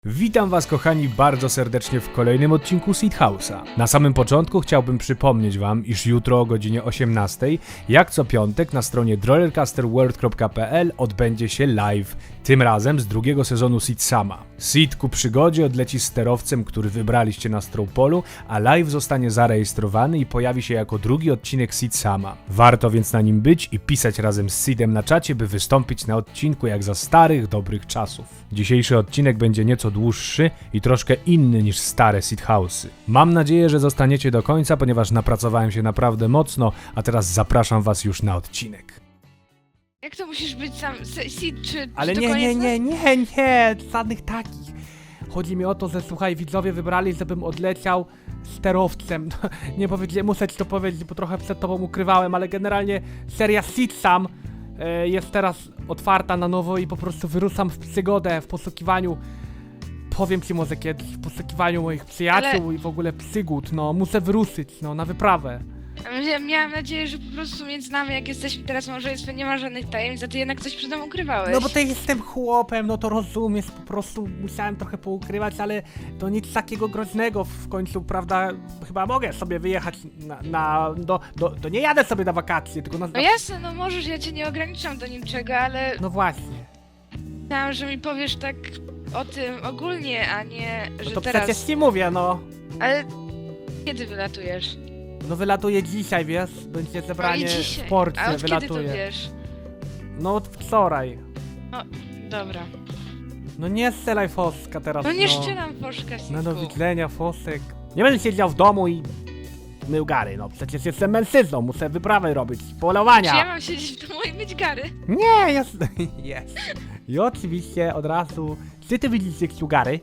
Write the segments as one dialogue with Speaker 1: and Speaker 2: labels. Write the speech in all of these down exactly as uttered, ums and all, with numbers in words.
Speaker 1: Witam was kochani bardzo serdecznie w kolejnym odcinku Seed House'a. Na samym początku chciałbym przypomnieć wam, iż jutro o godzinie osiemnastej, jak co piątek na stronie rollercoasterworld kropka p l odbędzie się live, tym razem z drugiego sezonu Seed Sama. Seed ku przygodzie odleci z sterowcem, który wybraliście na Stropolu, a live zostanie zarejestrowany i pojawi się jako drugi odcinek Seed Sama. Warto więc na nim być i pisać razem z Seedem na czacie, by wystąpić na odcinku jak za starych, dobrych czasów. Dzisiejszy odcinek będzie nieco dłuższy i troszkę inny niż stare Seed House'y. Mam nadzieję, że zostaniecie do końca, ponieważ napracowałem się naprawdę mocno, a teraz zapraszam was już na odcinek.
Speaker 2: Jak to musisz być sam Seed, czy,
Speaker 1: Ale
Speaker 2: czy to
Speaker 1: nie, nie,
Speaker 2: koniec?
Speaker 1: nie, nie, nie, żadnych takich. Chodzi mi o to, że słuchaj, widzowie wybrali, żebym odleciał sterowcem. Nie powiedziałem, muszę ci to powiedzieć, bo trochę przed tobą ukrywałem, ale generalnie seria Seed Sam e, jest teraz otwarta na nowo i po prostu wyruszam w przygodę, w poszukiwaniu, powiem ci może kiedyś, w poszukiwaniu moich przyjaciół
Speaker 2: Ale-
Speaker 1: i w ogóle przygód, no muszę wyruszyć, no na wyprawę.
Speaker 2: Ja miałam nadzieję, że po prostu między nami, jak jesteśmy teraz w małżeństwie, nie ma żadnych tajemnic, a ty jednak coś przed nami ukrywałeś.
Speaker 1: No bo to jestem chłopem, no to rozumiesz, po prostu musiałem trochę poukrywać, ale to nic takiego groźnego w końcu, prawda, chyba mogę sobie wyjechać na, na do, do, to nie jadę sobie na wakacje, tylko na...
Speaker 2: No jasne, no możesz, ja cię nie ograniczam do niczego, ale
Speaker 1: No właśnie,
Speaker 2: chciałam, że mi powiesz tak o tym ogólnie, a nie,
Speaker 1: no
Speaker 2: że
Speaker 1: to
Speaker 2: teraz.
Speaker 1: przecież ci mówię, no.
Speaker 2: Ale kiedy wylatujesz?
Speaker 1: No wylatuję dzisiaj, wiesz, będzie
Speaker 2: No
Speaker 1: zebranie
Speaker 2: i dzisiaj.
Speaker 1: w porcie,
Speaker 2: A od kiedy to
Speaker 1: wylatuję.
Speaker 2: wiesz?
Speaker 1: No od wczoraj.
Speaker 2: Dobra.
Speaker 1: No nie strzelaj Foska teraz,
Speaker 2: No nie
Speaker 1: no.
Speaker 2: szczelam Foszka,
Speaker 1: No do
Speaker 2: synku.
Speaker 1: widzenia, Fosek. Nie będę siedział w domu i mył gary, no przecież jestem mężczyzną, muszę wyprawy robić, polowania.
Speaker 2: Czy ja mam siedzieć w domu i być gary?
Speaker 1: Nie, jest. Jest. I oczywiście od razu. Czy ty widzisz jak gary?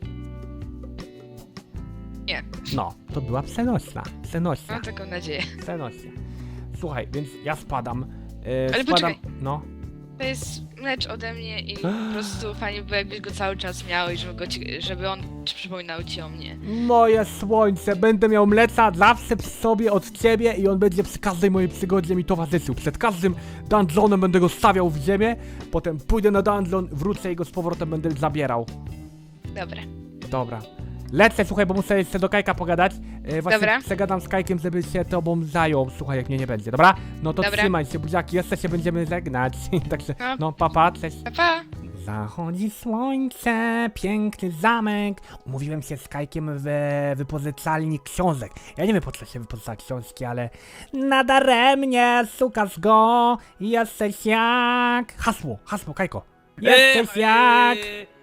Speaker 2: Nie.
Speaker 1: No, to była przenośna. Przenośna.
Speaker 2: Mam taką nadzieję.
Speaker 1: Przenośna. Słuchaj, więc ja spadam. E,
Speaker 2: Ale
Speaker 1: spadam.
Speaker 2: poczekaj.
Speaker 1: No.
Speaker 2: To jest mecz ode mnie i po prostu fajnie by było, jakbyś go cały czas miał i żeby, go ci, żeby on przypominał ci o mnie.
Speaker 1: Moje słońce, będę miał mleca zawsze przy sobie od ciebie i on będzie przy każdej mojej przygodzie mi towarzyszył. Przed każdym dungeonem będę go stawiał w ziemię, potem pójdę na dungeon, wrócę i go z powrotem będę zabierał.
Speaker 2: Dobra.
Speaker 1: Dobra. Lecę, słuchaj, bo muszę jeszcze do Kajka pogadać. E, właśnie
Speaker 2: Dobra.
Speaker 1: przegadam z Kajkiem, żeby się tobą zajął. Słuchaj, jak mnie nie będzie, dobra? No to
Speaker 2: Dobra.
Speaker 1: trzymaj się, buziaki, jeszcze się będziemy żegnać. Także,
Speaker 2: No.
Speaker 1: no papa, cześć.
Speaker 2: Pa, pa.
Speaker 1: Zachodzi słońce, piękny zamek. Umówiłem się z Kajkiem w wypożyczalni książek. Ja nie wiem, po co się wypożycza książki, ale nadaremnie, sukasz go, jesteś jak... Hasło, hasło, Kajko. Jesteś jak...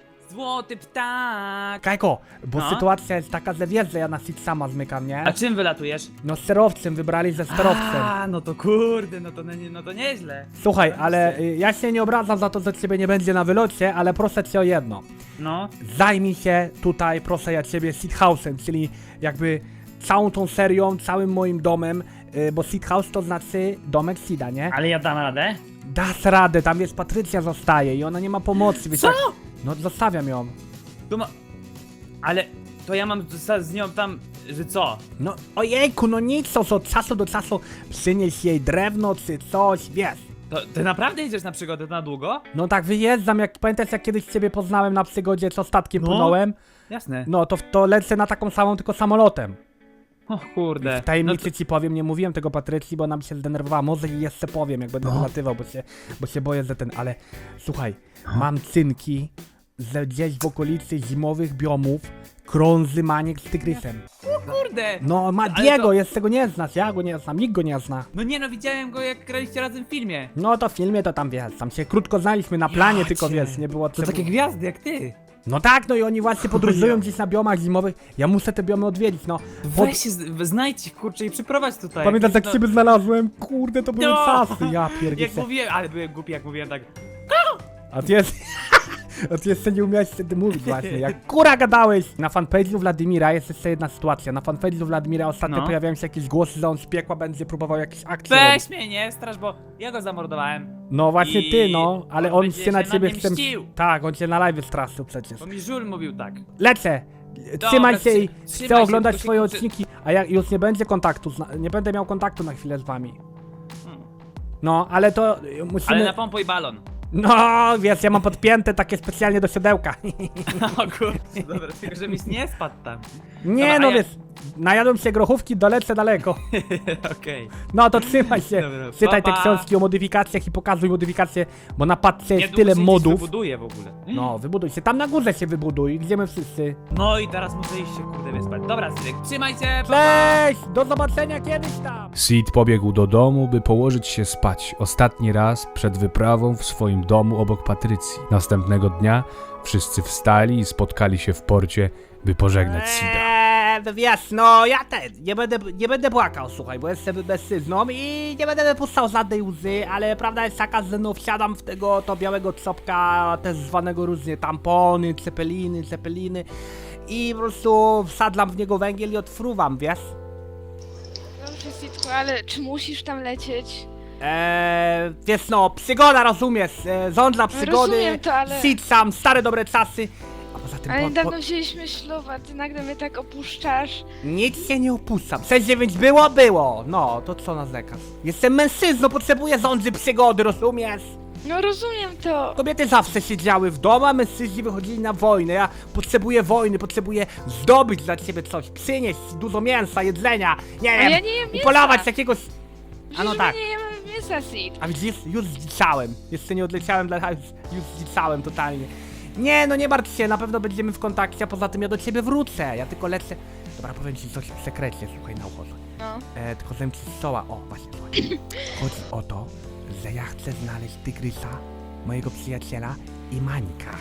Speaker 3: Złoty ptak!
Speaker 1: Kajko, bo
Speaker 3: No?
Speaker 1: sytuacja jest taka, że wiesz, że ja na Seed Sama zmykam, nie?
Speaker 3: A czym wylatujesz?
Speaker 1: No sterowcem, wybrali ze sterowcem.
Speaker 3: A, no to kurde, no to, no, no to nieźle.
Speaker 1: Słuchaj, ale y, ja się nie obrażam za to, że ciebie nie będzie na wylocie, ale proszę cię o jedno.
Speaker 3: No,
Speaker 1: Zajmij się tutaj, proszę ja ciebie, Seed House'em, czyli jakby całą tą serią, całym moim domem, y, bo Seed House to znaczy domek Seeda, nie?
Speaker 3: ale ja dam radę.
Speaker 1: Dasz radę, tam jest Patrycja zostaje i ona nie ma pomocy, wiesz
Speaker 3: Co?
Speaker 1: jak- No zostawiam ją.
Speaker 3: To ma... Ale to ja mam z, z nią tam, że co?
Speaker 1: No ojejku, no nic, to od czasu do czasu przynieś jej drewno czy coś, wiesz.
Speaker 3: To ty naprawdę idziesz na przygodę na długo?
Speaker 1: No tak wyjeżdżam, jak pamiętasz jak kiedyś ciebie poznałem na przygodzie, co statkiem
Speaker 3: No.
Speaker 1: płynąłem?
Speaker 3: Jasne.
Speaker 1: No to, to lecę na taką samą, tylko samolotem.
Speaker 3: O kurde.
Speaker 1: W tajemnicy
Speaker 3: No to,
Speaker 1: ci powiem, nie mówiłem tego Patrycji, bo nam się zdenerwowała, może i jeszcze powiem, jak będę
Speaker 3: No.
Speaker 1: wylatywał, bo się, bo się boję, że ten, ale słuchaj, mam cynki, że gdzieś w okolicy zimowych biomów krąży maniek z tygrysem.
Speaker 3: kurde.
Speaker 1: No ma
Speaker 3: Ale
Speaker 1: Diego,
Speaker 3: to-
Speaker 1: jest tego nie znasz, ja go nie znam, nikt go nie zna.
Speaker 3: No nie no, widziałem go jak graliście razem w filmie.
Speaker 1: No to w filmie to tam wiesz, tam się krótko znaliśmy na planie,
Speaker 3: Ja
Speaker 1: tylko
Speaker 3: cię.
Speaker 1: wiesz, nie było
Speaker 3: To
Speaker 1: trzeba-
Speaker 3: takie gwiazdy jak ty.
Speaker 1: No tak, no i oni właśnie podróżują
Speaker 3: ja.
Speaker 1: gdzieś na biomach zimowych, ja muszę te biomy odwiedzić, no.
Speaker 3: Weź się, z- znajdź ich kurczę i przyprowadź tutaj.
Speaker 1: Pamiętasz jak
Speaker 3: no,
Speaker 1: ciebie znalazłem? Kurde, to były
Speaker 3: No.
Speaker 1: czasy, ja
Speaker 3: Jak
Speaker 1: pierdzielę.
Speaker 3: mówiłem, ale byłem głupi jak mówiłem tak.
Speaker 1: A ty jest... A ty jeszcze nie umiałeś wtedy mówić właśnie, jak kura gadałeś! Na fanpage'u Wladimira jest jeszcze jedna sytuacja. Na fanpage'u Wladimira ostatnio
Speaker 3: No.
Speaker 1: pojawiają się jakieś głosy, że on z piekła będzie próbował jakieś akcje robić.
Speaker 3: Weź mnie, nie strasz, bo ja go zamordowałem.
Speaker 1: No właśnie
Speaker 3: I
Speaker 1: ty, no, ale
Speaker 3: on
Speaker 1: on
Speaker 3: będzie
Speaker 1: się na
Speaker 3: się
Speaker 1: ciebie
Speaker 3: na mnie
Speaker 1: chce...
Speaker 3: mścił.
Speaker 1: Tak, on cię na live straszył przecież.
Speaker 3: Bo mi Żul mówił tak.
Speaker 1: Lecę! Trzymaj się i
Speaker 3: trzy- trzymaj
Speaker 1: chcę
Speaker 3: się,
Speaker 1: oglądać
Speaker 3: tylko się
Speaker 1: twoje
Speaker 3: kurczę-
Speaker 1: odcinki, a ja już nie będzie kontaktu, z na... nie będę miał kontaktu na chwilę z wami.
Speaker 3: Hmm.
Speaker 1: No, ale to y, musimy...
Speaker 3: Ale napompuj balon.
Speaker 1: No, wiesz, ja mam podpięte takie specjalnie do siodełka.
Speaker 3: O kurczę, dobra, tylko żebyś nie spadł tam.
Speaker 1: Nie
Speaker 3: Dobra, a
Speaker 1: no,
Speaker 3: ja-
Speaker 1: wiesz, najadłem się grochówki, dolecę daleko.
Speaker 3: Okej.
Speaker 1: No to trzymaj się,
Speaker 3: Dobra,
Speaker 1: czytaj
Speaker 3: pa,
Speaker 1: te
Speaker 3: pa.
Speaker 1: książki o modyfikacjach i pokazuj modyfikacje, bo na padce jest
Speaker 3: Niedługo
Speaker 1: tyle
Speaker 3: się gdzieś
Speaker 1: modów.
Speaker 3: wybuduję w ogóle.
Speaker 1: No, wybuduj się, tam na górze się wybuduj, gdzie my wszyscy.
Speaker 3: No i teraz muszę iść się kurde wyspać. Dobra, Sylwek, trzymaj się, pa, pa.
Speaker 1: Cześć, do zobaczenia kiedyś tam. Sid pobiegł do domu, by położyć się spać ostatni raz przed wyprawą w swoim domu obok Patrycji. Następnego dnia wszyscy wstali i spotkali się w porcie, by pożegnać Sida. Eee, wiesz, no ja ten, nie będę, nie będę płakał, słuchaj, bo jestem mężczyzną i nie będę wypuszczał żadnej łzy, ale prawda jest taka, że no wsiadam w tego to białego czopka, też zwanego różnie tampony, cepeliny, cepeliny i po prostu wsadlam w niego węgiel i odfruwam, wiesz?
Speaker 2: Dobrze, Sitku, ale czy musisz tam lecieć?
Speaker 1: Eee, wiesz no, przygoda, rozumiesz, e, żądla przygody,
Speaker 2: rozumiem to, ale-
Speaker 1: Sid sam, stare dobre czasy, a poza tym
Speaker 2: Ale
Speaker 1: po,
Speaker 2: niedawno
Speaker 1: po,
Speaker 2: wzięliśmy ślub, a ty nagle mnie tak opuszczasz.
Speaker 1: nic się nie opuszczam, sześć dziewięć było, było, no, to co narzekasz? Jestem mężczyzną, potrzebuję żądzy przygody, rozumiesz?
Speaker 2: No rozumiem to.
Speaker 1: Kobiety zawsze siedziały w domu, a mężczyźni wychodzili na wojnę, ja potrzebuję wojny, potrzebuję zdobyć dla ciebie coś, przynieść dużo mięsa, jedzenia, nie
Speaker 2: A
Speaker 1: wiem,
Speaker 2: ja nie jem mięsa.
Speaker 1: upolować jakiegoś... A no
Speaker 2: Przecież
Speaker 1: tak.
Speaker 2: my nie jemy mięsa, Sid.
Speaker 1: A widzisz, już zdziczałem. Jeszcze nie odleciałem, dla... już, już zdziczałem totalnie. Nie, no nie martw się, na pewno będziemy w kontakcie, a poza tym ja do ciebie wrócę. Ja tylko lecę. Dobra, powiem ci coś w sekrecie, słuchaj, na ucho.
Speaker 2: No.
Speaker 1: E, tylko zem ci stoła. O, właśnie, słuchaj. Chodzi o to, że ja chcę znaleźć tygrysa, mojego przyjaciela i Mańka.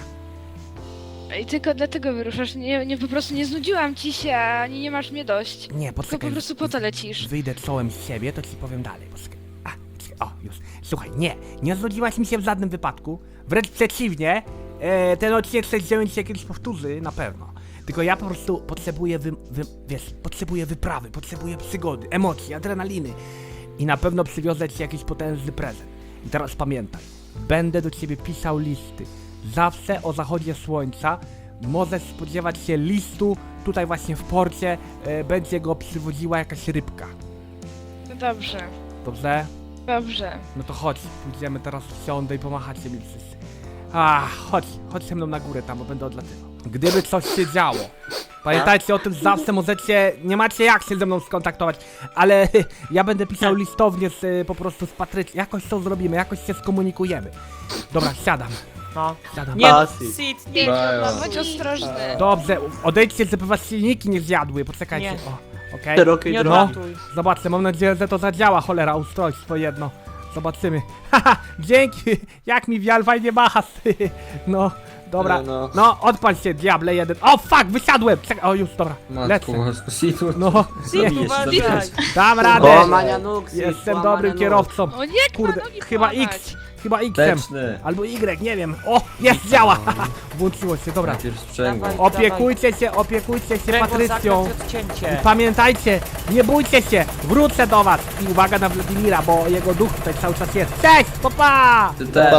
Speaker 2: I tylko dlatego wyruszasz. Nie, nie, po prostu nie znudziłam ci się, ani nie masz mnie dość.
Speaker 1: Nie,
Speaker 2: Tylko
Speaker 1: poczekaj.
Speaker 2: po prostu po to lecisz.
Speaker 1: Wyjdę czołem z siebie, to ci powiem dalej. Poczekaj. A, poczekaj. O, już. Słuchaj, nie, nie znudziłaś mi się w żadnym wypadku. Wręcz przeciwnie, e, ten odcinek sześć dziewięć się kiedyś powtórzy, na pewno. Tylko ja po prostu potrzebuję, wy, wy, wiesz, potrzebuję wyprawy, potrzebuję przygody, emocji, adrenaliny. I na pewno przywiozę ci jakiś potężny prezent. I teraz pamiętaj, będę do ciebie pisał listy. Zawsze o zachodzie słońca możesz spodziewać się listu tutaj właśnie w porcie, e, będzie go przywoziła jakaś rybka.
Speaker 2: No dobrze,
Speaker 1: Dobrze?
Speaker 2: dobrze.
Speaker 1: No to chodź, pójdziemy teraz w siądę i pomachacie mi wszyscy. A, chodź, chodź ze mną na górę tam, bo będę odlatywał. Gdyby coś się działo, pamiętajcie o tym, że zawsze możecie, nie macie jak się ze mną skontaktować, ale ja będę pisał listownie z, y, po prostu z Patrycji, jakoś to zrobimy, jakoś się skomunikujemy. Dobra, siadam,
Speaker 3: No.
Speaker 1: siadam.
Speaker 3: Nie, no,
Speaker 4: Sid.
Speaker 3: Sid,
Speaker 2: Nie,
Speaker 3: nie.
Speaker 2: no, bądź ostrożny.
Speaker 1: Dobrze, odejdźcie, żeby was silniki nie zjadły, poczekajcie.
Speaker 3: Nie.
Speaker 1: O, okej.
Speaker 4: Szerokiej
Speaker 3: Nie
Speaker 4: drogi.
Speaker 3: odlatuj.
Speaker 1: Zobaczę, mam nadzieję, że to zadziała, cholera, ustrojstwo jedno. Zobaczymy. Haha, dzięki, jak mi wial fajnie macha. No, dobra.
Speaker 4: No, no.
Speaker 1: No, odpal się, diable jeden. O, fuck, wysiadłem. Czekaj, o, już, dobra, lecę.
Speaker 4: Matko, bosko, Sid,
Speaker 1: No,
Speaker 3: Sid,
Speaker 1: nie,
Speaker 3: uważaj.
Speaker 1: dam
Speaker 4: O,
Speaker 1: radę.
Speaker 4: Mania Nux,
Speaker 1: Jestem dobrym kierowcą.
Speaker 2: O nie,
Speaker 1: Kurde,
Speaker 2: nogi
Speaker 1: chyba
Speaker 2: połamać.
Speaker 1: X, chyba X-em.
Speaker 4: Teczny.
Speaker 1: Albo Y, nie wiem. O, jest, działa. Włączyło się, dobra.
Speaker 4: Najpierw sprzęgło.
Speaker 3: Dawaj.
Speaker 1: Opiekujcie się, opiekujcie się
Speaker 3: Kręgosłup
Speaker 1: Patrycją.
Speaker 3: zakręt odcięcie.
Speaker 1: Pamiętajcie, nie bójcie się, wrócę do was. I uwaga na Wladimira, bo jego duch tutaj cały czas jest. Cześć, popa!
Speaker 4: Ty też.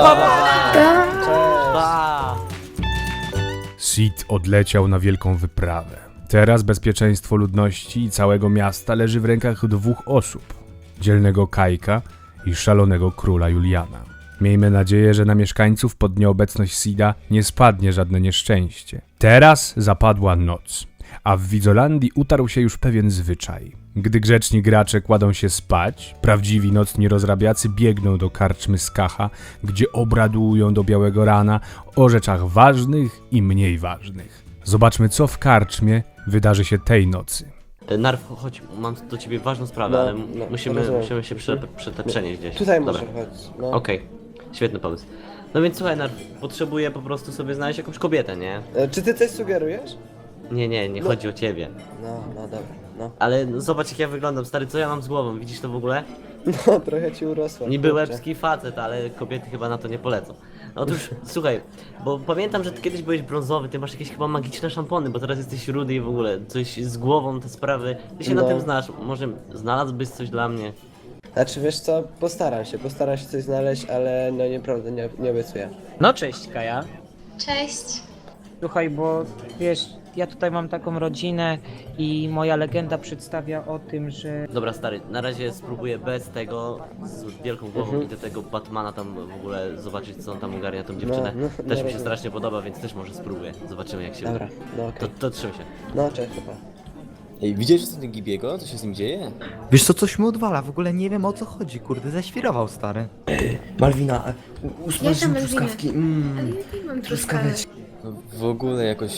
Speaker 3: Pa.
Speaker 1: Sid odleciał na wielką wyprawę. Teraz bezpieczeństwo ludności i całego miasta leży w rękach dwóch osób. Dzielnego Kajka i szalonego króla Juliana. Miejmy nadzieję, że na mieszkańców pod nieobecność Sida nie spadnie żadne nieszczęście. Teraz zapadła noc, a w Widzolandii utarł się już pewien zwyczaj. Gdy grzeczni gracze kładą się spać, prawdziwi nocni rozrabiacy biegną do karczmy Skacha, gdzie obradują do białego rana o rzeczach ważnych i mniej ważnych. Zobaczmy, co w karczmie wydarzy się tej nocy.
Speaker 5: Narw, chodź, mam do ciebie ważną sprawę,
Speaker 6: No,
Speaker 5: ale
Speaker 6: no,
Speaker 5: musimy,
Speaker 6: rozumiem.
Speaker 5: musimy się prze, prze, przenieść gdzieś.
Speaker 6: Tutaj
Speaker 5: Dobra.
Speaker 6: może chodzić. No.
Speaker 5: Okej, świetny pomysł. No więc słuchaj, Narw, potrzebuję po prostu sobie znaleźć jakąś kobietę, nie?
Speaker 6: E, Czy ty coś sugerujesz?
Speaker 5: Nie, nie, nie
Speaker 6: No.
Speaker 5: chodzi o ciebie.
Speaker 6: No, no dobra, no.
Speaker 5: Ale no, zobacz jak ja wyglądam, stary, co ja mam z głową, widzisz to w ogóle?
Speaker 6: No, trochę ci urosła.
Speaker 5: Niby
Speaker 6: kurczę.
Speaker 5: łebski facet, ale kobiety chyba na to nie polecą. Otóż, słuchaj, bo pamiętam, że ty kiedyś byłeś brązowy, ty masz jakieś chyba magiczne szampony, bo teraz jesteś rudy i w ogóle coś z głową, te sprawy. Ty się na
Speaker 6: No.
Speaker 5: tym znasz, może znalazłbyś coś dla mnie?
Speaker 6: Znaczy wiesz co, postaram się, postaram się coś znaleźć, ale no nieprawda, nie, nie obiecuję.
Speaker 3: No cześć, Kaja.
Speaker 7: Cześć.
Speaker 3: Słuchaj, bo wiesz, ja tutaj mam taką rodzinę i moja legenda przedstawia o tym, że...
Speaker 5: Dobra stary, na razie spróbuję bez tego, z wielką głową
Speaker 6: Mhm.
Speaker 5: idę tego Batmana tam w ogóle zobaczyć co on tam ogarnia tą dziewczynę.
Speaker 6: no, no,
Speaker 5: Też mi się
Speaker 6: rozumiem.
Speaker 5: strasznie podoba, więc też może spróbuję. Zobaczymy jak się
Speaker 6: Dobra,
Speaker 5: uda.
Speaker 6: no okej.
Speaker 5: To, to trzymaj się.
Speaker 6: No cześć, chyba.
Speaker 4: Ej, widziałeś co ten Gibiego? Co się z nim dzieje?
Speaker 7: Wiesz co, coś mu odwala, w ogóle nie wiem o co chodzi, kurde, zaświrował stary.
Speaker 6: Malwina, e, usmaż
Speaker 8: Jaka
Speaker 6: mi
Speaker 8: Malwina?
Speaker 6: truskawki. Mm,
Speaker 8: Ale jakiej mam
Speaker 6: truskaweczki.
Speaker 4: No, w ogóle jakoś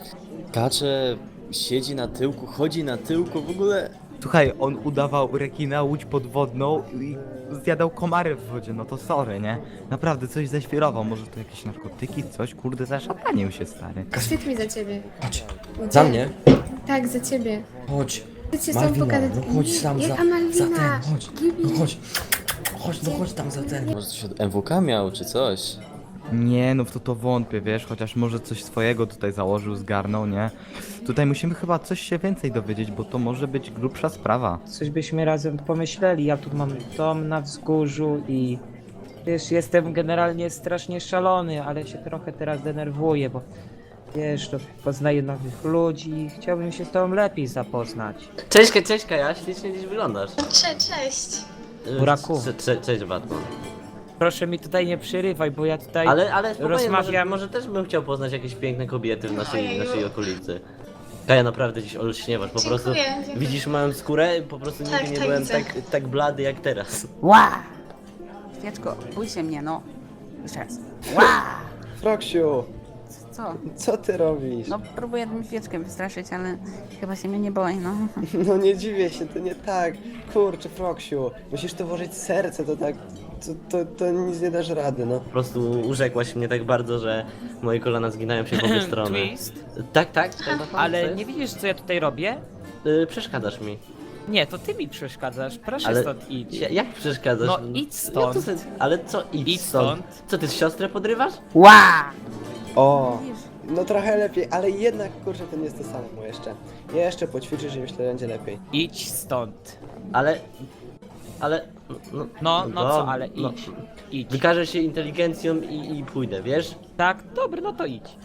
Speaker 4: kacze, siedzi na tyłku, chodzi na tyłku, w ogóle...
Speaker 7: Słuchaj, on udawał rekina, łódź podwodną i zjadał komary w wodzie, no to sorry, nie? Naprawdę coś zaświrował, może to jakieś narkotyki, coś, kurde, zaszatanił się stary.
Speaker 8: Wstyd mi za ciebie.
Speaker 6: Chodź,
Speaker 8: Gdzie?
Speaker 6: za mnie?
Speaker 8: Tak, za ciebie.
Speaker 6: Chodź.
Speaker 8: Chcę cię z tobą
Speaker 6: Malwina,
Speaker 8: pogadać.
Speaker 6: no chodź
Speaker 8: Nie,
Speaker 6: tam za,
Speaker 8: jaka
Speaker 6: za
Speaker 8: Malwina?
Speaker 6: ten, chodź.
Speaker 8: Gibi.
Speaker 6: No chodź. Chodź, no chodź tam za ten.
Speaker 4: Może coś od M W K miał, czy coś?
Speaker 7: Nie, no w to to wątpię, wiesz, chociaż może coś swojego tutaj założył, zgarnął, nie? Tutaj musimy chyba coś się więcej dowiedzieć, bo to może być grubsza sprawa.
Speaker 3: Coś byśmy razem pomyśleli. Ja tu mam dom na wzgórzu i wiesz, jestem generalnie strasznie szalony, ale się trochę teraz denerwuję, bo wiesz, to poznaję nowych ludzi i chciałbym się z tobą lepiej zapoznać.
Speaker 5: Cześć, cześć Kaja, ślicznie dziś wyglądasz.
Speaker 8: Cześć, cześć.
Speaker 5: Y,
Speaker 3: Buraku.
Speaker 5: cze- cze- Cześć Batman.
Speaker 3: Proszę mi tutaj nie przerywaj, bo ja tutaj
Speaker 5: Ale, ale spokojnie,
Speaker 3: rozmawiam.
Speaker 5: może, może też bym chciał poznać jakieś piękne kobiety w naszej,
Speaker 8: Ojeju.
Speaker 5: naszej okolicy. Kaja, naprawdę dziś olśniewasz, po
Speaker 8: Dziękuję,
Speaker 5: prostu
Speaker 8: dziękuję.
Speaker 5: widzisz moją skórę, po prostu nigdy
Speaker 8: Tak,
Speaker 5: nie
Speaker 8: tak
Speaker 5: byłem
Speaker 8: widzę.
Speaker 5: tak, tak blady jak teraz.
Speaker 9: Ła! Świeczko, bój się mnie, no. Jeszcze raz. Ła!
Speaker 6: Froksiu,
Speaker 9: Co?
Speaker 6: co ty robisz?
Speaker 9: No próbuję tym świeczkę wystraszyć, ale chyba się mnie nie boi, no.
Speaker 6: No nie dziwię się, to nie tak. Kurczę, Froksiu, musisz to włożyć serce, to tak, to, to, to nic nie dasz rady, no.
Speaker 5: Po prostu urzekłaś mnie tak bardzo, że moje kolana zginają się w obie strony.
Speaker 3: Twist.
Speaker 5: Tak, tak, tak Batman, co
Speaker 3: Ale
Speaker 5: jest?
Speaker 3: nie widzisz, co ja tutaj robię?
Speaker 5: Y, przeszkadzasz mi.
Speaker 3: Nie, to ty mi przeszkadzasz. Proszę
Speaker 5: Ale
Speaker 3: stąd idź.
Speaker 5: Ja, jak przeszkadzasz?
Speaker 3: No idź stąd.
Speaker 5: No, to, ale co idź,
Speaker 3: Idź
Speaker 5: stąd?
Speaker 3: stąd.
Speaker 5: Co ty z siostrę podrywasz?
Speaker 9: Ła!
Speaker 6: O,
Speaker 9: Widzisz?
Speaker 6: no trochę lepiej, ale jednak, kurczę, to nie jest to samo jeszcze. Jeszcze poćwiczysz i myślę, że będzie lepiej.
Speaker 3: Idź stąd.
Speaker 5: Ale... Ale... No,
Speaker 3: No, no co, ale
Speaker 5: no,
Speaker 3: idź. Idź.
Speaker 5: Wykażę się inteligencją i, i pójdę, wiesz?
Speaker 3: Tak, dobra, no to idź.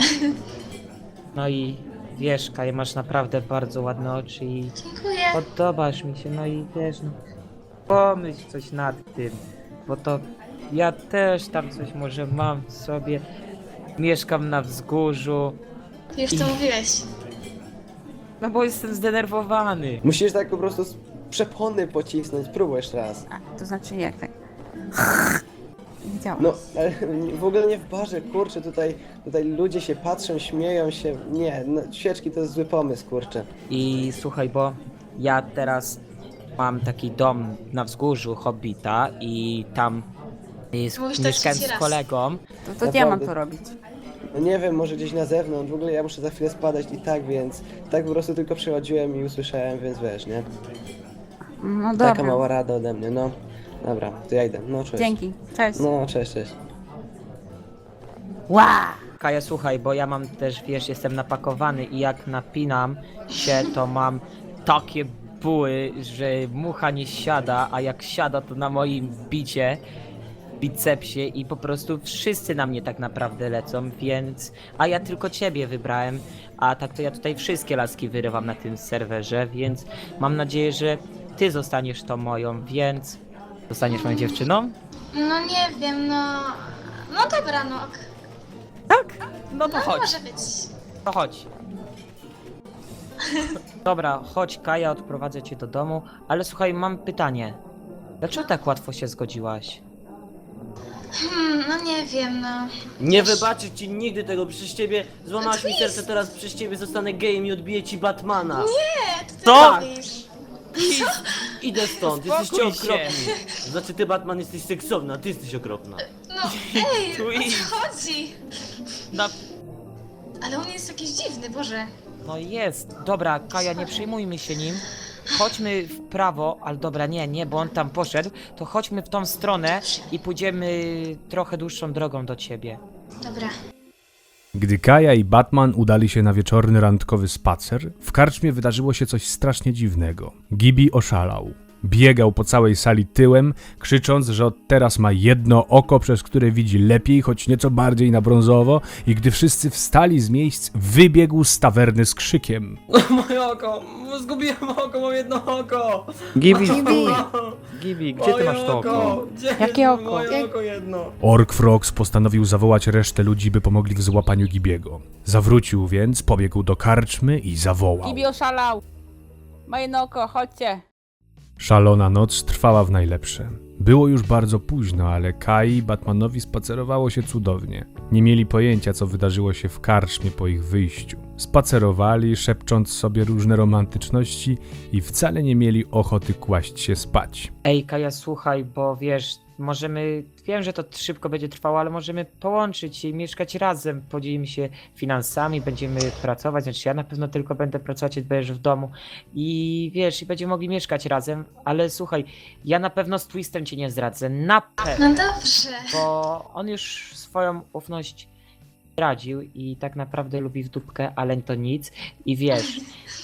Speaker 3: No i wiesz, Kaj, masz naprawdę bardzo ładne oczy i
Speaker 8: Dziękuję.
Speaker 3: podobasz mi się, no i wiesz, no, pomyśl coś nad tym, bo to ja też tam coś może mam w sobie, mieszkam na wzgórzu,
Speaker 8: Już to mówiłeś.
Speaker 3: no bo jestem zdenerwowany.
Speaker 6: Musisz tak po prostu z przepony pocisnąć, spróbuj jeszcze raz.
Speaker 9: A, to znaczy jak tak? Nie działa.
Speaker 6: No, ale w ogóle nie w barze, kurczę, tutaj, tutaj ludzie się patrzą, śmieją się. Nie, no, świeczki to jest zły pomysł, kurczę.
Speaker 3: I słuchaj, bo ja teraz mam taki dom na wzgórzu Hobbita i tam jest,
Speaker 8: Mówisz to
Speaker 3: mieszkałem
Speaker 8: trzeci
Speaker 3: z
Speaker 8: raz.
Speaker 3: kolegą.
Speaker 9: To, to gdzie ja mam
Speaker 6: naprawdę.
Speaker 9: to robić?
Speaker 6: No nie wiem, może gdzieś na zewnątrz, w ogóle ja muszę za chwilę spadać i tak, więc tak po prostu tylko przechodziłem i usłyszałem, więc wiesz, nie?
Speaker 9: No
Speaker 6: Taka
Speaker 9: dobra.
Speaker 6: mała rada ode mnie, no. Dobra, to ja idę, no cześć.
Speaker 9: Dzięki. Cześć.
Speaker 6: No, cześć, cześć.
Speaker 9: Ła!
Speaker 3: Kaja, słuchaj, bo ja mam też, wiesz, jestem napakowany i jak napinam się, to mam takie buły, że mucha nie siada, a jak siada, to na moim bicie, bicepsie i po prostu wszyscy na mnie tak naprawdę lecą, więc... A ja tylko ciebie wybrałem, a tak to ja tutaj wszystkie laski wyrywam na tym serwerze, więc mam nadzieję, że ty zostaniesz tą moją, więc... Zostaniesz moją dziewczyną?
Speaker 8: No nie wiem, no... No dobra, no. ok.
Speaker 3: Tak? No to
Speaker 8: No
Speaker 3: chodź.
Speaker 8: może być.
Speaker 3: To chodź. Dobra, chodź Kaja, odprowadzę cię do domu, ale słuchaj, mam pytanie. Dlaczego tak łatwo się zgodziłaś?
Speaker 8: Hmm, no nie wiem, no.
Speaker 5: Nie
Speaker 8: Wiesz,
Speaker 5: wybaczę ci nigdy tego, przez ciebie złamałaś mi serce, teraz przez ciebie zostanę gejem i odbiję ci Batmana.
Speaker 8: Nie, to ty
Speaker 5: Co?
Speaker 8: robisz.
Speaker 5: Idę stąd,
Speaker 3: Uspokój
Speaker 5: jesteście
Speaker 3: się.
Speaker 5: okropni. Znaczy ty Batman jesteś seksowna, a ty jesteś okropna.
Speaker 8: No, ej, o
Speaker 3: Twist.
Speaker 8: co chodzi?
Speaker 3: No,
Speaker 8: Ale on jest jakiś dziwny, Boże.
Speaker 3: no jest. Dobra, Kaja, nie przejmujmy się nim. Chodźmy w prawo, ale dobra, nie, nie, bo on tam poszedł. To chodźmy w tą stronę i pójdziemy trochę dłuższą drogą do ciebie.
Speaker 8: Dobra.
Speaker 1: Gdy Kaja i Batman udali się na wieczorny randkowy spacer, w karczmie wydarzyło się coś strasznie dziwnego. Gibi oszalał. Biegał po całej sali tyłem, krzycząc, że od teraz ma jedno oko, przez które widzi lepiej, choć nieco bardziej na brązowo, i gdy wszyscy wstali z miejsc, wybiegł z tawerny z krzykiem.
Speaker 10: Moje oko! Zgubiłem oko, mam jedno oko!
Speaker 7: Gibi, stój! Gibi, gdzie ty masz to oko?
Speaker 10: Gdzie
Speaker 9: Jakie
Speaker 10: jest
Speaker 9: oko?
Speaker 10: Moje oko jedno!
Speaker 1: Ork Frogs postanowił zawołać resztę ludzi, by pomogli w złapaniu Gibiego. Zawrócił więc, pobiegł do karczmy i zawołał.
Speaker 9: Gibi oszalał! Ma jedno oko, chodźcie!
Speaker 1: Szalona noc trwała w najlepsze. Było już bardzo późno, ale Kai i Batmanowi spacerowało się cudownie. Nie mieli pojęcia, co wydarzyło się w karczmie po ich wyjściu. Spacerowali, szepcząc sobie różne romantyczności i wcale nie mieli ochoty kłaść się spać.
Speaker 3: Ej, Kaja, słuchaj, bo wiesz, możemy, wiem, że to szybko będzie trwało, ale możemy połączyć się i mieszkać razem, podzielimy się finansami, będziemy pracować, znaczy ja na pewno tylko będę pracować, jak będziesz w domu i wiesz, i będziemy mogli mieszkać razem, ale słuchaj, ja na pewno z Twistem cię nie zdradzę, na pewno,
Speaker 8: No dobrze.
Speaker 3: bo on już swoją ufność zdradził i tak naprawdę lubi w dupkę, ale to nic i wiesz,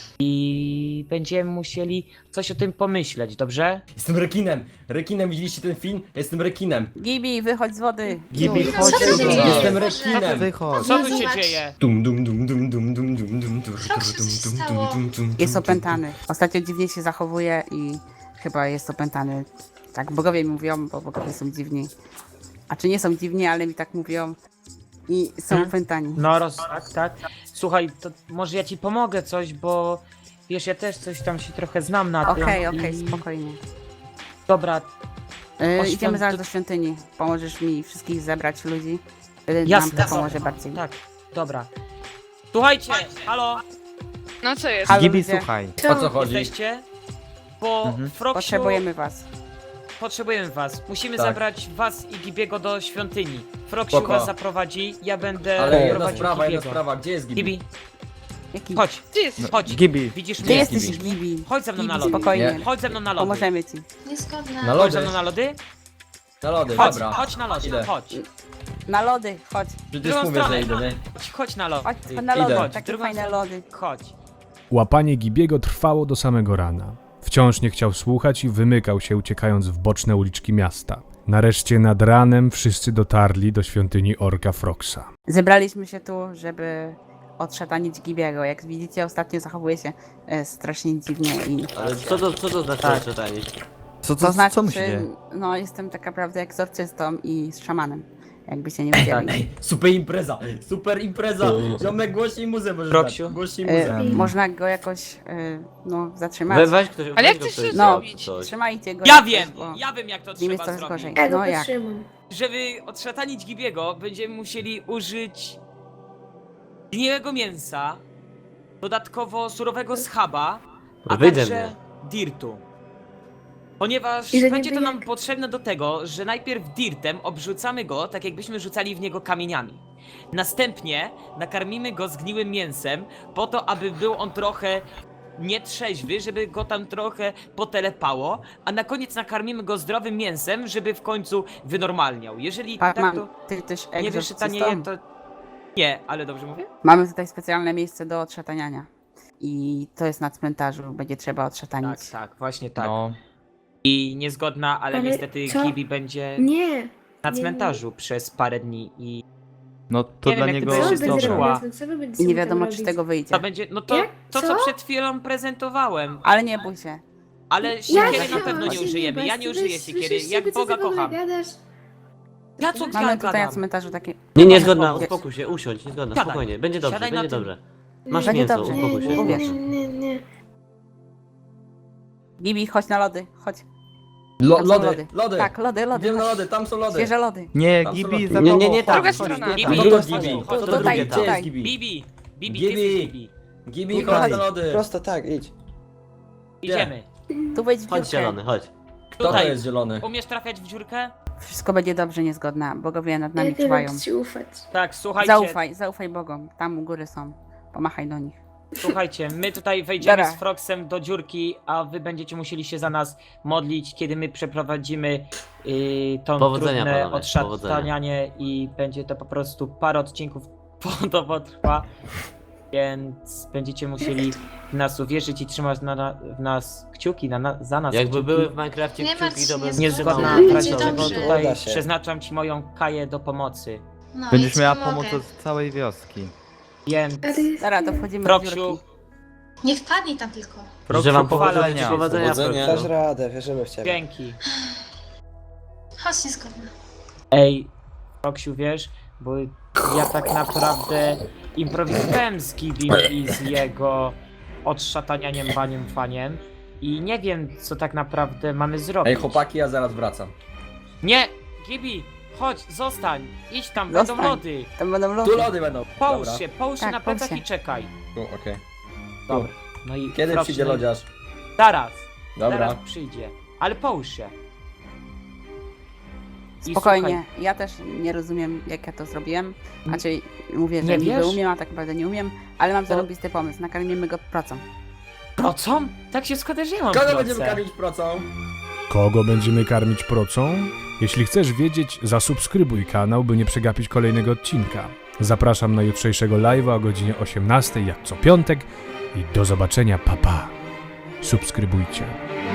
Speaker 3: i będziemy musieli coś o tym pomyśleć, dobrze?
Speaker 10: Jestem rekinem! Rekinem, widzieliście ten film? Jestem rekinem!
Speaker 9: Gibi, wychodź z wody!
Speaker 7: Gibi,
Speaker 8: No,
Speaker 7: chodź
Speaker 8: co ty
Speaker 7: tu.
Speaker 8: dzieje?
Speaker 10: Jestem
Speaker 8: Boże.
Speaker 10: rekinem!
Speaker 7: Wychodź.
Speaker 3: Co
Speaker 8: No
Speaker 3: tu się
Speaker 8: zobacz.
Speaker 3: dzieje?
Speaker 10: Dum dum dum dum dum dum dum dum dum
Speaker 8: Proszę, co się stało?
Speaker 9: Jest opętany. Ostatnio dziwnie się zachowuje i chyba jest opętany. Tak bogowie mi mówią, bo bogowie są dziwni. A czy nie są dziwni, ale mi tak mówią. I są
Speaker 3: Hmm?
Speaker 9: opętani.
Speaker 3: No roz... tak, tak. Słuchaj, to może ja ci pomogę coś, bo wiesz, ja też coś tam się trochę znam na tym.
Speaker 9: Okej, okej,
Speaker 3: i-
Speaker 9: spokojnie.
Speaker 3: Dobra,
Speaker 9: Yy,
Speaker 3: Oświą-
Speaker 9: idziemy zaraz
Speaker 3: to-
Speaker 9: do świątyni. Pomożesz mi wszystkich zebrać ludzi. Yy,
Speaker 3: jasne.
Speaker 9: Nam to pomoże bardziej.
Speaker 3: Tak, dobra. Słuchajcie, halo,
Speaker 2: No co jest?
Speaker 9: Halo,
Speaker 7: Gibi,
Speaker 9: ludzie.
Speaker 7: słuchaj.
Speaker 10: O co chodzi?
Speaker 3: jesteście? Bo
Speaker 7: Mhm.
Speaker 3: Froksiu,
Speaker 9: Potrzebujemy was.
Speaker 3: potrzebujemy was. Musimy
Speaker 10: Tak.
Speaker 3: zabrać was i Gibiego do świątyni. Froksiu
Speaker 10: Spoko.
Speaker 3: was zaprowadzi, ja będę
Speaker 10: Ale jedna
Speaker 3: prowadził
Speaker 10: sprawa, jedna
Speaker 3: Gibiego.
Speaker 10: sprawa, gdzie jest Gibi?
Speaker 3: Gibi,
Speaker 9: Jaki?
Speaker 3: chodź,
Speaker 2: Ty jesteś?
Speaker 3: chodź.
Speaker 7: Gibi.
Speaker 3: Widzisz
Speaker 9: Ty
Speaker 3: mnie?
Speaker 9: jesteś
Speaker 10: Gibi.
Speaker 9: Gibi.
Speaker 3: Chodź ze mną na
Speaker 9: Gibi,
Speaker 3: lody.
Speaker 9: spokojnie.
Speaker 10: Nie.
Speaker 3: Chodź ze mną na lody.
Speaker 9: Pomożemy ci.
Speaker 8: Niezgodna.
Speaker 10: Na
Speaker 3: Chodź
Speaker 10: lody.
Speaker 3: ze mną na lody?
Speaker 10: Na lody,
Speaker 3: Chodź,
Speaker 10: dobra.
Speaker 3: chodź na lody,
Speaker 10: Idę.
Speaker 3: chodź.
Speaker 9: Na lody, chodź.
Speaker 10: Przecież
Speaker 3: drugą
Speaker 10: mówię, że
Speaker 3: stronę.
Speaker 10: idę, nie?
Speaker 3: Chodź, chodź na lody.
Speaker 9: Chodź na lody,
Speaker 10: Idę.
Speaker 9: takie
Speaker 3: Drugą
Speaker 9: fajne
Speaker 3: stronę.
Speaker 9: lody.
Speaker 3: Chodź.
Speaker 1: Łapanie Gibiego trwało do samego rana. Wciąż nie chciał słuchać i wymykał się, uciekając w boczne uliczki miasta. Nareszcie nad ranem wszyscy dotarli do świątyni Orka Frogsa.
Speaker 9: Zebraliśmy się tu, żeby odszatanić Gibiego. Jak widzicie, ostatnio zachowuje się e, strasznie dziwnie i
Speaker 5: Ale co to, co to znaczy
Speaker 3: Tak.
Speaker 5: czytanie?
Speaker 7: Co,
Speaker 9: to
Speaker 7: co,
Speaker 9: znaczy,
Speaker 7: co mu się dzieje?
Speaker 9: no jestem tak naprawdę egzorcystą i z szamanem. Jakby się nie wiedzieli.
Speaker 10: Ej, super impreza, super impreza! Ziomek, głośniej muzę możesz
Speaker 3: Roksiu?
Speaker 10: dać. Głośniej
Speaker 9: E,
Speaker 10: muzę.
Speaker 9: można go jakoś e, no, zatrzymać.
Speaker 5: We, weź ktoś,
Speaker 2: Ale
Speaker 5: weź
Speaker 2: jak
Speaker 5: go
Speaker 2: chcesz
Speaker 5: ktoś,
Speaker 2: to
Speaker 9: No,
Speaker 2: zrobić?
Speaker 5: coś.
Speaker 9: trzymajcie go.
Speaker 3: Ja
Speaker 9: jakoś,
Speaker 3: wiem,
Speaker 9: bo
Speaker 3: ja wiem jak to
Speaker 9: z nim jest
Speaker 3: trzeba
Speaker 9: coraz
Speaker 3: zrobić.
Speaker 9: gorzej. No jak?
Speaker 3: Żeby odszatanić Gibiego, będziemy musieli użyć gniłego mięsa, dodatkowo surowego schaba, a
Speaker 5: Wyjdę
Speaker 3: także
Speaker 5: mnie.
Speaker 3: dirtu. Ponieważ
Speaker 8: I że nie
Speaker 3: będzie to
Speaker 8: wyje-
Speaker 3: nam potrzebne do tego, że najpierw dirtem obrzucamy go, tak jakbyśmy rzucali w niego kamieniami. Następnie nakarmimy go zgniłym mięsem, po to, aby był on trochę nietrzeźwy, żeby go tam trochę potelepało, a na koniec nakarmimy go zdrowym mięsem, żeby w końcu wynormalniał. Jeżeli
Speaker 9: Pa,
Speaker 3: tak
Speaker 9: mam,
Speaker 3: to
Speaker 9: ty też
Speaker 3: nie wyszczytanieje,
Speaker 9: egzorcystą?
Speaker 3: to... Nie, ale dobrze mówię?
Speaker 9: Mamy tutaj specjalne miejsce do odszataniania. I to jest na cmentarzu, będzie trzeba odszatanić.
Speaker 3: Tak, tak, właśnie tak.
Speaker 7: No,
Speaker 3: I niezgodna, ale,
Speaker 8: Ale
Speaker 3: niestety
Speaker 8: co?
Speaker 3: Gibi będzie
Speaker 8: Nie.
Speaker 3: na
Speaker 8: nie,
Speaker 3: cmentarzu przez parę dni i
Speaker 7: no to
Speaker 3: Nie
Speaker 7: dla
Speaker 3: wiem, jak
Speaker 7: niego
Speaker 3: ty
Speaker 8: Co
Speaker 3: będziesz
Speaker 8: będzie
Speaker 3: czuła.
Speaker 7: dobra.
Speaker 8: robić? Co wy będziecie
Speaker 9: I nie
Speaker 8: mi tam
Speaker 9: wiadomo, czy z
Speaker 8: robić?
Speaker 9: tego wyjdzie.
Speaker 3: to będzie, no to,
Speaker 8: Jak?
Speaker 3: to co
Speaker 8: Co?
Speaker 3: przed chwilą prezentowałem,
Speaker 9: Ale nie bój się.
Speaker 3: ale siekiery
Speaker 8: Ja
Speaker 3: na pewno nie
Speaker 8: się
Speaker 3: użyjemy,
Speaker 8: nie
Speaker 3: ja
Speaker 8: bać,
Speaker 3: nie
Speaker 8: ty
Speaker 3: użyję
Speaker 8: weź,
Speaker 3: siekiery,
Speaker 8: słyszysz
Speaker 3: jak
Speaker 8: siebie, co
Speaker 3: Boga
Speaker 8: ty w ogóle
Speaker 3: kocham.
Speaker 8: gadasz?
Speaker 3: Ja co
Speaker 9: Mamy
Speaker 3: ja
Speaker 9: tutaj na
Speaker 3: gadam?
Speaker 9: cmentarzu takie...
Speaker 5: Nie, nie, zgodna,
Speaker 3: Powiedz.
Speaker 5: uspokój się, usiądź, niezgodna,
Speaker 3: Siadaj.
Speaker 5: spokojnie, będzie dobrze,
Speaker 3: Siadaj na
Speaker 5: będzie
Speaker 3: tym.
Speaker 5: dobrze. Masz
Speaker 9: Będzie
Speaker 5: mięso,
Speaker 9: dobrze.
Speaker 5: uspokój
Speaker 8: Nie,
Speaker 5: się.
Speaker 8: nie,
Speaker 9: Uwierz.
Speaker 8: nie, nie, nie.
Speaker 9: Gibi, chodź na lody, chodź.
Speaker 10: Lo,
Speaker 9: Tam są
Speaker 10: lody,
Speaker 9: lody.
Speaker 10: lody!
Speaker 9: Tak, lody, lody.
Speaker 10: Idziemy na
Speaker 9: chodź.
Speaker 10: lody, tam są lody!
Speaker 9: Świeże lody.
Speaker 7: Nie,
Speaker 10: Tam są
Speaker 7: Gibi
Speaker 10: lody.
Speaker 7: za
Speaker 5: Nie,
Speaker 7: tobą.
Speaker 5: nie, nie, tak.
Speaker 3: Druga
Speaker 7: chodź,
Speaker 3: strona,
Speaker 7: chodź,
Speaker 3: Gibi,
Speaker 10: No
Speaker 7: chodź.
Speaker 10: to
Speaker 3: chodź,
Speaker 10: Gibi,
Speaker 3: chodź,
Speaker 10: to
Speaker 9: tutaj,
Speaker 10: drugie, gdzie
Speaker 9: tutaj.
Speaker 10: jest Gibi?
Speaker 3: Bibi, Bibi,
Speaker 10: Gibi.
Speaker 3: ty jesteś Bibi.
Speaker 10: Gibi,
Speaker 6: Tutaj.
Speaker 10: chodź na lody!
Speaker 6: Prosto tak, idź.
Speaker 3: Idziemy.
Speaker 9: Tu wejdź w
Speaker 5: Chodź
Speaker 9: dziurkę.
Speaker 5: zielony, chodź.
Speaker 10: Kto to
Speaker 3: Tutaj.
Speaker 10: jest zielony?
Speaker 3: Umiesz trafiać w dziurkę?
Speaker 9: Wszystko będzie dobrze, niezgodna. Bogowie nad nami
Speaker 8: Ja nie
Speaker 9: czuwają.
Speaker 8: wiem, czy ci ufać.
Speaker 3: Tak, słuchajcie,
Speaker 9: Zaufaj, zaufaj Bogom. Tam u góry są. Pomachaj do nich.
Speaker 3: słuchajcie, my tutaj wejdziemy
Speaker 9: Dobra.
Speaker 3: z Frogsem do dziurki, a wy będziecie musieli się za nas modlić, kiedy my przeprowadzimy yy, to
Speaker 5: Powodzenia,
Speaker 3: trudne
Speaker 5: panowie,
Speaker 3: odszatanianie i będzie to po prostu parę odcinków to potrwa. Więc będziecie musieli w nas uwierzyć i trzymać na, na, w nas kciuki, na, na, za nas
Speaker 5: Jakby
Speaker 3: kciuki.
Speaker 5: były w Minecrafcie
Speaker 8: Nie martw
Speaker 5: kciuki,
Speaker 8: się,
Speaker 5: to bym
Speaker 8: jest
Speaker 3: Niezgodna
Speaker 8: Będzie
Speaker 3: praca,
Speaker 8: dobrze.
Speaker 3: dlatego
Speaker 6: Uda
Speaker 3: tutaj
Speaker 6: się.
Speaker 3: przeznaczam ci moją Kaję do pomocy.
Speaker 8: No,
Speaker 7: Będziesz
Speaker 8: i
Speaker 7: miała
Speaker 8: ci pomogę.
Speaker 7: pomoc od całej wioski.
Speaker 3: Więc
Speaker 9: Dobra, to wchodzimy do
Speaker 3: Proksiu,
Speaker 9: dziurki.
Speaker 8: Nie wpadnij tam tylko.
Speaker 5: Życzę wam
Speaker 3: powodzenia.
Speaker 5: powodzenia. Powodzenia.
Speaker 4: Powodzenia.
Speaker 6: Dasz radę, wierzymy w ciebie.
Speaker 3: dzięki.
Speaker 8: Chodź, niezgodna.
Speaker 3: Ej, Proksiu, wiesz, bo ja tak naprawdę improwizowałem z Gibim i z jego odszatanianiem, baniem, faniem i nie wiem, co tak naprawdę mamy zrobić.
Speaker 10: Ej, chłopaki, ja zaraz wracam.
Speaker 3: Nie! Gibi! Chodź, zostań! Idź tam, będą
Speaker 9: Zostań.
Speaker 3: lody!
Speaker 9: Tam będą
Speaker 10: Tu
Speaker 9: lody.
Speaker 10: lody będą.
Speaker 3: Połóż
Speaker 10: Dobra.
Speaker 3: się, połóż się
Speaker 9: Tak,
Speaker 3: na
Speaker 9: połóż
Speaker 3: plecach
Speaker 9: się.
Speaker 3: i czekaj.
Speaker 10: Tu, okej.
Speaker 3: Dobra. No i
Speaker 10: Kiedy
Speaker 3: proszę,
Speaker 10: przyjdzie
Speaker 3: no i-
Speaker 10: lodziarz?
Speaker 3: Zaraz,
Speaker 10: Dobra.
Speaker 3: zaraz przyjdzie. Ale połóż się. I
Speaker 9: Spokojnie, ja też nie rozumiem, jak ja to zrobiłem. Znaczy, mówię, że
Speaker 3: Nie
Speaker 9: niby
Speaker 3: wiesz?
Speaker 9: umiem, a tak naprawdę nie umiem, ale mam
Speaker 3: To-
Speaker 9: zarobisty pomysł. Nakarmimy go procą.
Speaker 3: Słuchaj, procą? Tak się składa, że ja mam
Speaker 10: Kogo
Speaker 3: proce.
Speaker 10: będziemy karmić procą?
Speaker 1: Kogo będziemy karmić procą? Jeśli chcesz wiedzieć, zasubskrybuj kanał, by nie przegapić kolejnego odcinka. Zapraszam na jutrzejszego live'a o godzinie osiemnastej, jak co piątek i do zobaczenia, papa. Pa. Subskrybujcie.